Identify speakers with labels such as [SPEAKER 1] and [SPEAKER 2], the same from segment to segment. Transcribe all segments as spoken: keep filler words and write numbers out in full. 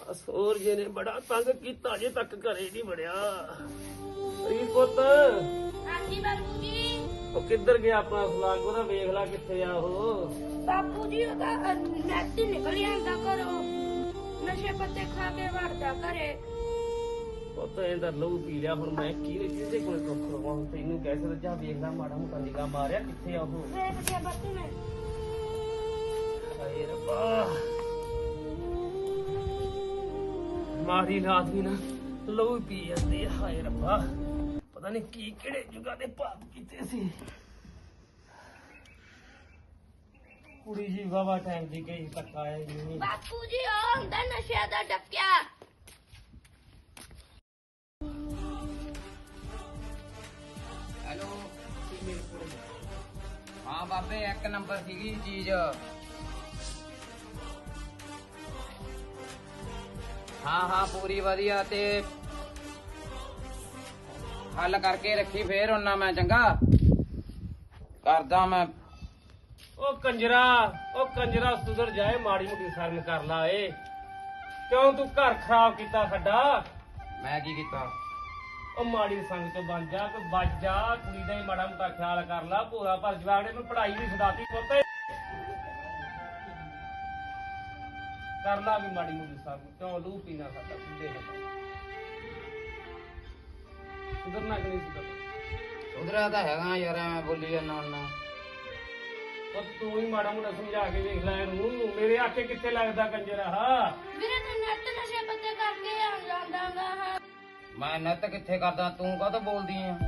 [SPEAKER 1] ਸੋਰ ਜੀ ਨੇ ਬੜਾ ਤੰਗ ਕੀਤਾ, ਜੇ ਤੱਕ ਘਰੇ ਨਹੀਂ ਵੜਿਆ। ਰੀਤ ਪੁੱਤ
[SPEAKER 2] ਹਾਂਜੀ ਬਾਪੂ ਜੀ।
[SPEAKER 1] ਉਹ ਕਿੱਧਰ ਗਿਆ ਆਪਣਾ ਸਲਾਗ? ਉਹਦਾ ਵੇਖ ਲਾ ਕਿੱਥੇ ਆ ਉਹ।
[SPEAKER 2] ਬਾਪੂ ਜੀ ਉਹਦਾ ਨੈਟ ਨਿਕਲ ਜਾਂਦਾ ਘਰੋਂ, ਨਸ਼ੇ ਪੱਤੇ ਖਾ ਕੇ ਵੜਦਾ ਘਰੇ।
[SPEAKER 1] ਪੁੱਤ ਇਹਦਾ ਲਹੂ ਪੀ ਲਿਆ, ਹੁਣ ਮੈਂ ਕੀ ਕਿਹਦੇ ਕੋਲ ਦੁੱਖ ਲਵਾਂ? ਤੈਨੂੰ ਕਹਿ ਸਕਦਾ, ਜਾ ਵੇਖਦਾ ਮਾੜਾ ਮੋਟਾ ਨਿਗਾਹ ਮਾਰਿਆ ਕਿੱਥੇ ਆ ਉਹ।
[SPEAKER 2] ਵੇਖ ਗਿਆ ਬਾਪੂ ਨੇ।
[SPEAKER 1] ਹਾਏ ਰੱਬਾ, ਮਾਰੀ ਰਾਤ ਵੀ ਨਾ ਲਹੂ ਪੀ ਜਾਂਦੀ ਆ। ਹਾਏ ਰੱਬਾ, ਪਤਾ ਨਹੀਂ ਕੀ ਕਿਹੜੇ ਜੁਗਾ ਦੇ ਪਾਪ ਕੀਤੇ ਸੀ। ਕੁੜੀ ਜੀ ਵਾਵਾ ਟਾਈਮ ਦੀ ਗਈ, ਤੱਕ ਆਇਆ ਹੀ ਨਹੀਂ।
[SPEAKER 2] ਬਾਪੂ ਜੀ ਉਹ ਹੁੰਦਾ ਨਸ਼ੇ ਦਾ ਡੱਕਿਆ।
[SPEAKER 3] ਹੈਲੋ। ਹਾਂ ਬਾਬੇ, ਇੱਕ ਨੰਬਰ ਸੀਗੀ ਚੀਜ਼। ਹਾਂ ਹਾਂ ਪੂਰੀ ਵਧੀਆ, ਤੇ ਹੱਲ ਕਰਕੇ ਰੱਖੀ ਫੇਰ ਉਹਨਾਂ ਮੈਂ ਚੰਗਾ ਕਰਦਾ ਮੈਂ।
[SPEAKER 1] ਉਹ ਕੰਜਰਾ, ਉਹ ਕੰਜਰਾ ਸੁਧਰ ਜਾਏ, ਮਾੜੀ ਮੋਟੀ ਸ਼ਰਮ ਕਰ ਲਾ ਏ। ਕਿਉਂ ਤੂੰ ਘਰ ਖਰਾਬ ਕੀਤਾ ਸਾਡਾ?
[SPEAKER 3] ਮੈਂ ਕੀ ਕੀਤਾ?
[SPEAKER 1] ਉਹ ਮਾੜੀ ਸੰਗ ਤੋਂ ਬਣ ਜਾ, ਕੋਈ ਬਚ ਜਾ। ਕੁੜੀ ਦਾ ਹੀ ਮਾੜਾ ਮੋਟਾ ਖਿਆਲ ਕਰ ਲਾ। ਭੋਰਾ ਭਰ ਜਵਾਗ ਨੇ ਪੜ੍ਹਾਈ ਵੀ ਛਡਾਤੀ ਪੁੱਤ। ਕਰ ਲਾ ਵੀ ਮਾੜੀ ਮੋਟੀ ਸ਼ਰਮ। ਕਿਉਂ ਲੂ ਪੀਣਾ ਸਾਡਾ ਸਿੱਧੇ ਨਾਲ? ਸੁਧਰਨਾ ਕਿ ਨਹੀਂ ਸੁਧਰਨਾ?
[SPEAKER 3] ਉਧਰਾ ਤਾਂ ਹੈਗਾ ਯਾਰ, ਮੈਂ ਬੋਲੀ ਜਾਂਦਾ ਹੁੰਦਾ।
[SPEAKER 1] ਉਹ ਤੂੰ ਹੀ ਮਾੜਾ ਮੋਟਾ ਸਮਝਾ ਕੇ ਵੇਖ ਲੈ ਇਹਨੂੰ। ਮੇਰੇ ਆਖੇ ਕਿੱਥੇ ਲੱਗਦਾ ਕੰਜਰਾ? ਹਾਂ
[SPEAKER 2] ਵੀਰੇ ਤੂੰ ਨੈਟ ਨਸ਼ੇ ਪੱਤੇ ਕਰਕੇ ਆ ਜਾਂਦਾਗਾ। ਹਾਂ
[SPEAKER 3] ਮੈਂ ਨੱਤ ਕਿੱਥੇ ਕਰਦਾ, ਤੂੰ ਕਾਹਤੋਂ ਬੋਲਦੀ ਆ?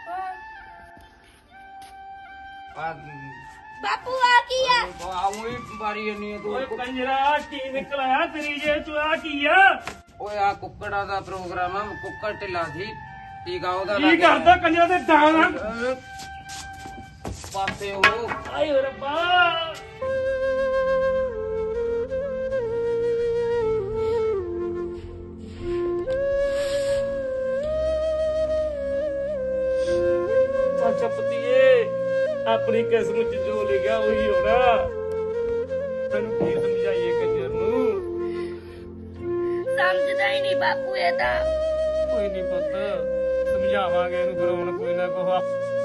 [SPEAKER 3] ਆ
[SPEAKER 2] ਬਾਪੂ ਆ ਕੀ ਆ?
[SPEAKER 3] ਆਉਂ ਹੀ ਬਾਰੀ ਜੰਨੀ ਤੂੰ।
[SPEAKER 1] ਓਏ ਕੰਜਰਾ, ਕੀ ਨਿਕਲ ਆਇਆ ਤੇਰੀ ਜੇ ਚ? ਆ ਕੀ ਆ?
[SPEAKER 3] ਓਏ ਆ ਕੁੱਕੜਾਂ ਦਾ ਪ੍ਰੋਗਰਾਮ ਆ, ਕੁੱਕੜ ਢਿੱਲਾ ਸੀ, ਟੀਕਾ ਉਹਦਾ
[SPEAKER 1] ਕੀ
[SPEAKER 3] ਲੱਗਿਆ।
[SPEAKER 1] ਕਰਦਾ ਕੰਜਰਾ ਦੇ ਦਾਣਾ
[SPEAKER 3] ਪਾਸੇ ਉਹ।
[SPEAKER 1] ਆਏ ਰੱਬਾ, ਅੱਛਾ ਪਤੀਏ, ਆਪਣੀ ਕਿਸਮਤ ਚ ਜੋ ਲਿਖਿਆ ਉਹੀ ਹੋਣਾ। ਤੈਨੂੰ ਕੀ ਸਮਝਾਈਏ ਕੰਜਰ ਨੂੰ?
[SPEAKER 2] ਸਮਝਦਾ ਹੀ ਨਹੀਂ ਬਾਪੂ ਇਹ ਤਾਂ।
[SPEAKER 1] ਕੋਈ ਨਹੀਂ ਪੁੱਤ, ਸਮਝਾਵਾਂਗੇ ਇਹਨੂੰ। ਫਿਰ ਹੁਣ ਕੋਈ ਨਾ ਕੋਈ